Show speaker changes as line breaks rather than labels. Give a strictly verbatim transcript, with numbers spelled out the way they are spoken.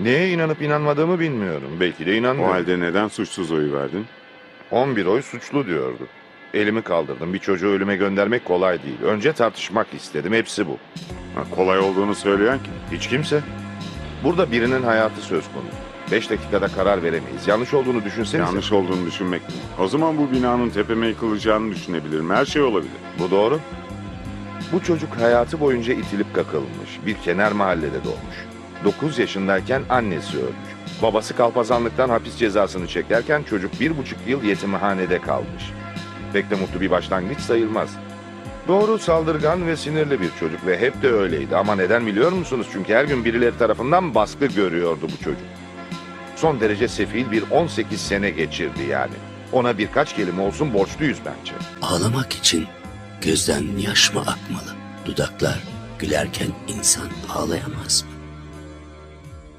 Neye inanıp inanmadığımı bilmiyorum. Belki de
O
inanmıyorum.
halde neden suçsuz oyu verdin?
on bir oy suçlu diyordu. Elimi kaldırdım. Bir çocuğu ölüme göndermek kolay değil. Önce tartışmak istedim. Hepsi bu.
Ha, kolay olduğunu söyleyen kim?
Hiç kimse. Burada birinin hayatı söz konusu. Beş dakikada karar veremeyiz. Yanlış olduğunu düşünsenize.
Yanlış olduğunu düşünmek mi? O zaman bu binanın tepeme yıkılacağını düşünebilirim. Her şey olabilir.
Bu doğru. Bu çocuk hayatı boyunca itilip kakılmış. Bir kenar mahallede doğmuş. dokuz yaşındayken annesi ölmüş. Babası kalpazanlıktan hapis cezasını çekerken çocuk bir buçuk yıl yetimhanede kalmış. Pek de mutlu bir başlangıç sayılmaz. Doğru, saldırgan ve sinirli bir çocuk ve hep de öyleydi. Ama neden biliyor musunuz? Çünkü her gün birileri tarafından baskı görüyordu bu çocuk. Son derece sefil bir on sekiz sene geçirdi yani. Ona birkaç kelime olsun borçluyuz bence.
Ağlamak için gözden yaş mı akmalı? Dudaklar gülerken insan ağlayamaz mı?